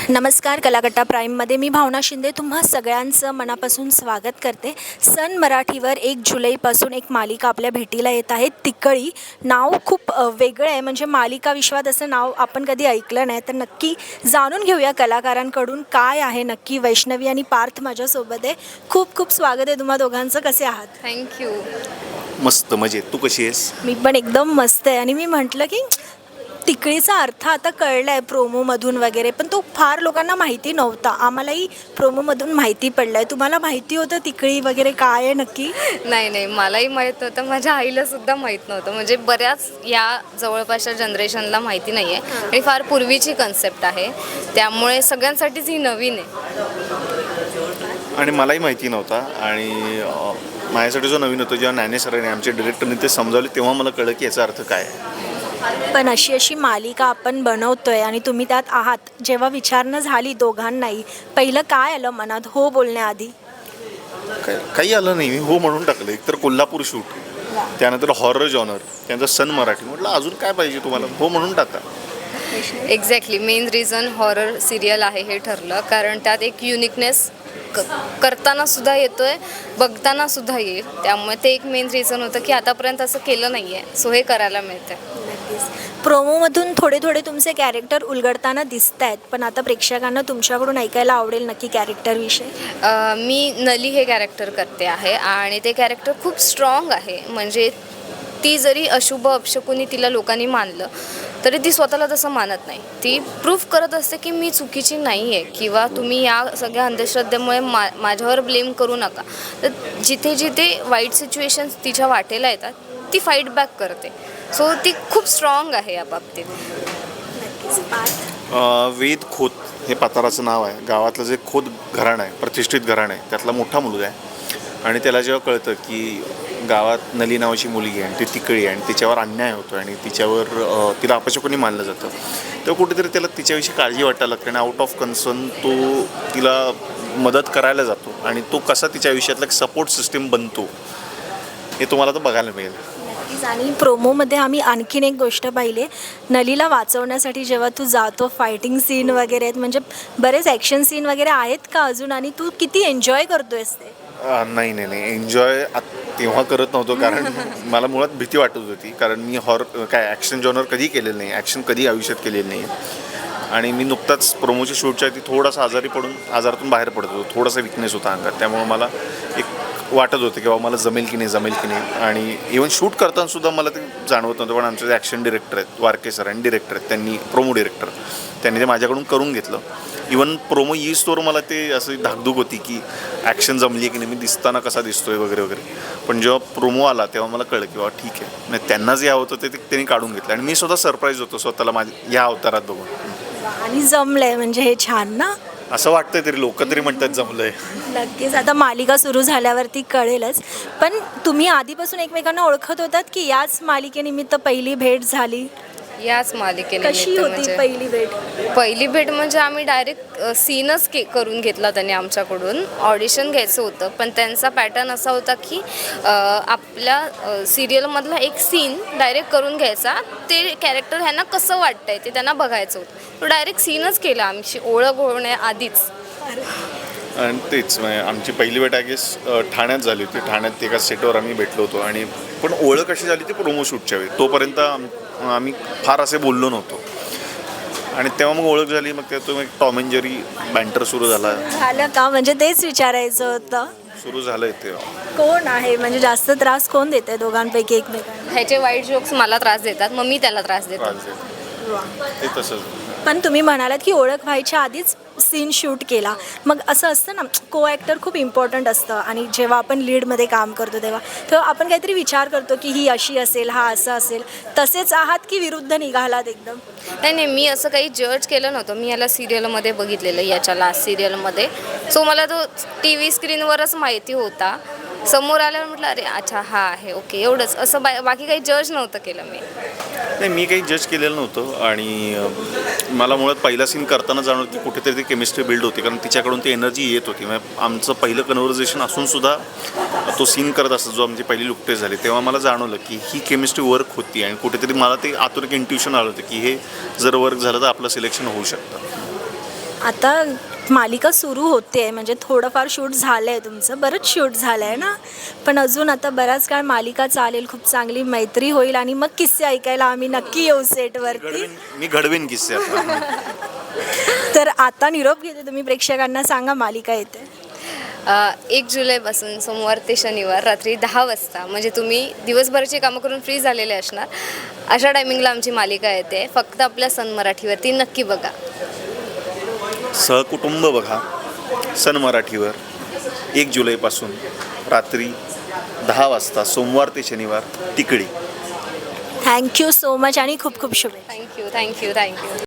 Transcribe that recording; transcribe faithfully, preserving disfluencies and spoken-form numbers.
नमस्कार. कलाकट्टा प्राईममध्ये मी भावना शिंदे तुम्हा सगळ्यांचं मनापासून स्वागत करते. सन मराठीवर एक जुलैपासून एक मालिका आपल्या भेटीला येत आहे, तिकळी. नाव खूप वेगळं आहे, म्हणजे मालिका विश्वात असं नाव आपण कधी ऐकलं नाही. तर नक्की जाणून घेऊया कलाकारांकडून काय आहे नक्की. वैष्णवी आणि पार्थ माझ्यासोबत आहे. खूप खूप स्वागत आहे तुम्हा दोघांचं. कसे आहात? थँक्यू. मस्त मजेत. तू कशी आहेस? मी पण एकदम मस्त आहे. आणि मी म्हटलं की तिकळीचा अर्थ आता कळला आहे प्रोमोमधून वगैरे, पण तो फार लोकांना माहिती नव्हता. आम्हालाही प्रोमोमधून माहिती पडलं आहे. तुम्हाला माहिती होतं तिकळी वगैरे काय आहे नक्की? नाही नाही मलाही माहीत नव्हतं, माझ्या आईलासुद्धा माहीत नव्हतं. म्हणजे बऱ्याच या जवळपासच्या जनरेशनला माहिती नाही आहे आणि फार पूर्वीची कन्सेप्ट आहे, त्यामुळे सगळ्यांसाठीच ही नवीन आहे. आणि मलाही माहिती नव्हता. आणि माझ्यासाठी जो नवीन होतं, जेव्हा ज्ञाने सरांनी आमचे डिरेक्टरने ते समजावले, तेव्हा मला कळलं की याचा अर्थ काय आहे. पण अशी अशी मालिका आपण बनवतोय आणि तुम्ही त्यात आहात, जेव्हा विचारणं झाली दोघांनाही, पहिलं काय आलं मनात हो बोलण्याआधी? काय काही आलं नाही. मी हो म्हणून टाकलं. एकतर कोल्हापूर शूट, त्यानंतर हॉरर जॉनर, त्यानंतर सन मराठी. म्हटलं अजून काय पाहिजे तुम्हाला, हो म्हणून टाका. Exactly main reason horror serial आहे हे ठरलं, कारण त्यात एक युनिकनेस क करताना सुद्धा येतोय, बघताना सुद्धा येईल. त्यामुळे ते एक मेन रिझन होतं की आतापर्यंत असं केलं नाही आहे, सो हे करायला मिळतं. प्रोमोमधून थोडे थोडे तुमचे कॅरेक्टर उलगडताना दिसत आहेत, पण आता प्रेक्षकांना तुमच्याकडून ऐकायला आवडेल नक्की कॅरेक्टरविषयी. मी नली हे कॅरेक्टर करते आहे आणि ते कॅरेक्टर खूप स्ट्रॉंग आहे. म्हणजे ती जरी अशुभ अपशकुनी तिला लोकांनी मानलं तरी ती स्वतःला तसं मानत नाही. ती प्रूफ करत असते की मी चुकीची नाही आहे, किंवा तुम्ही या सगळ्या अंधश्रद्धेमुळे मा माझ्यावर ब्लेम करू नका. तर जिथे जिथे वाईट सिच्युएशन्स तिच्या वाटेला येतात ती फाईट बॅक करते. सो ती खूप स्ट्रॉंग आहे या बाबतीत. वेद खोत हे पाताराचं नाव आहे. गावातलं जे खोत घराणं आहे, प्रतिष्ठित घराणं आहे, त्यातला मोठा मुलगा आहे. आणि त्याला जेव्हा कळतं की गावात नली नावाची मुलगी आहे आणि ती तिकळी आहे आणि तिच्यावर अन्याय होतो आणि तिच्यावर तिला अपशकुनी मानलं जातं, तेव्हा कुठेतरी त्याला तिच्याविषयी काळजी वाटायला लागते आणि आउट ऑफ कन्सर्न तो तिला मदत करायला जातो. आणि तो कसा तिच्या आयुष्यातला एक सपोर्ट सिस्टीम बनतो हे तुम्हाला तर बघायला मिळेल. आणि प्रोमोमध्ये आम्ही आणखीन एक गोष्ट पाहिली आहे, नलीला वाचवण्यासाठी जेव्हा तू जातो, फायटिंग सीन वगैरे आहेत, म्हणजे बरेच ॲक्शन सीन वगैरे आहेत का अजून? आणि तू किती एन्जॉय करतोयस ते? नाही नाही नाही एन्जॉय तेव्हा करत नव्हतो, कारण मला मुळात भीती वाटत होती. कारण मी हॉर काय ॲक्शन जॉनर कधी केलेलं नाही, ॲक्शन कधी आयुष्यात केलेलं नाही. आणि मी नुकताच प्रोमोच्या शूटच्या आधी थोडासा आजारी पडून आजारातून बाहेर पडत होतो. थोडासा विकनेस होता अंगात, त्यामुळे मला एक वाटत होतं की बाबा मला जमेल की नाही जमेल की नाही. आणि इवन शूट करताना सुद्धा मला ते जाणवत नव्हतं. पण आमचे जे ॲक्शन डिरेक्टर आहेत, वारके सर आणि डिरेक्टर आहेत, त्यांनी प्रोमो डिरेक्टर त्यांनी ते माझ्याकडून करून घेतलं. इवन प्रोमो येईस्तोवर मला ते असं धाकधूक होती की ॲक्शन जमली आहे की नाही, मी दिसताना कसा दिसतोय वगैरे वगैरे. पण जेव्हा प्रोमो आला तेव्हा मला कळलं की बाबा ठीक आहे, नाही त्यांना जे हवं होतं ते त्यांनी काढून घेतलं. आणि मी स्वतः सरप्राईज होतो स्वतःला माझ्या या अवतारात बघून. आणि जमलंय म्हणजे हे छान ना. असं वाटतंय तरी, लोक तरी म्हणतात जमलंय. नक्कीच आता मालिका सुरू झाल्यावरती कळेलच. पण तुम्ही आधीपासून एकमेकांना ओळखत होतात की याच मालिकेनिमित्त पहिली भेट झाली? याच मालिकेने कशी होती पहिली भेट? पहिली भेट म्हणजे आम्ही डायरेक्ट सीनच के करून घेतला त्यांनी आमच्याकडून. ऑडिशन घ्यायचं होतं, पण त्यांचा पॅटर्न असा होता की आपल्या सिरियलमधला एक सीन डायरेक्ट करून घ्यायचा, ते कॅरेक्टर ह्यांना कसं वाटतंय ते त्यांना बघायचं होतं. तो डायरेक्ट सीनच केला आमची ओळख होण्याआधीच. आणि तेच आमची पहिली भेट आय गेस ठाण्यात झाली होती. ठाण्यात एका सेटवर आम्ही भेटलो होतो. आणि पण ओळख कशी झाली ती प्रोमो शूटच्या वेळी. तोपर्यंत आम्ही फार असे बोललो नव्हतो. आणि तेव्हा मग ओळख झाली. मग त्यातून एक टॉम अँड जेरी बँटर सुरू झाला. झालं का? म्हणजे तेच विचारायचं होतं. सुरू झालंय तेव्हा. कोण आहे म्हणजे जास्त त्रास कोण देत आहे दोघांपैकी एकमेकांना? ह्याचे वाईट जोक्स मला त्रास देतात, मग मी त्याला त्रास देतो. त्रास देतो ते तसंच. पण तुम्ही म्हणालात की ओळख व्हायच्या आधीच सीन शूट केला. मग असं असतं ना, को ॲक्टर खूप इम्पॉर्टंट असतं. आणि जेव्हा आपण लीडमध्ये काम करतो तेव्हा तेव्हा आपण काहीतरी विचार करतो की ही अशी असेल, हा असं असेल. तसेच आहात की विरुद्ध निघालात एकदम? नाही नाही मी असं काही जज केलं नव्हतं. मी याला सिरियलमध्ये बघितलेलं, याच्या लास्ट सिरियलमध्ये. सो मला तो टी व्ही स्क्रीनवरच माहिती होता. समोर आल्यावर म्हटलं अरे अच्छा हा आहे, ओके, एवढंच. असं बा बाकी काही जज नव्हतं केलं मी. नाही मी काही जज केलेलं नव्हतं. आणि मला मुळात पहिला सीन करताना जाणवलं की कुठेतरी ती केमिस्ट्री बिल्ड होती, कारण तिच्याकडून ती एनर्जी येत होती. म्हणजे आमचं पहिलं कन्व्हर्सेशन असूनसुद्धा तो सीन करत असत जो आमची पहिली लुकटे झाली, तेव्हा मला जाणवलं की ही केमिस्ट्री वर्क होती. आणि कुठेतरी मला ते आतून एक इंट्युशन आलं होतं की हे जर वर्क झालं तर आपलं सिलेक्शन होऊ शकतं. आता मालिका सुरू होते म्हणजे थोडंफार शूट झालं आहे तुमचं, बरंच शूट झालं आहे ना, पण अजून आता बराच काळ मालिका चालेल, खूप चांगली मैत्री होईल आणि मग किस्से ऐकायला आम्ही नक्की येऊ सेटवरती. घडवीन मी घडवीन किस्से आता. तर आता निरोप घेते, तुम्ही प्रेक्षकांना सांगा मालिका येते. अ, एक जुलैपासून सोमवार ते शनिवार रात्री दहा वाजता, म्हणजे तुम्ही दिवसभराची कामं करून फ्री झालेले असणार अशा टायमिंगला आमची मालिका येते. फक्त आपल्या सन मराठीवरती नक्की बघा. सहकुटुंब बघा सन मराठीवर एक जुलैपासून रात्री दहा वाजता सोमवार ते शनिवार तिकडी. थँक्यू सो मच आणि खूप खूप शुभेच्छा. Thank you thank you thank you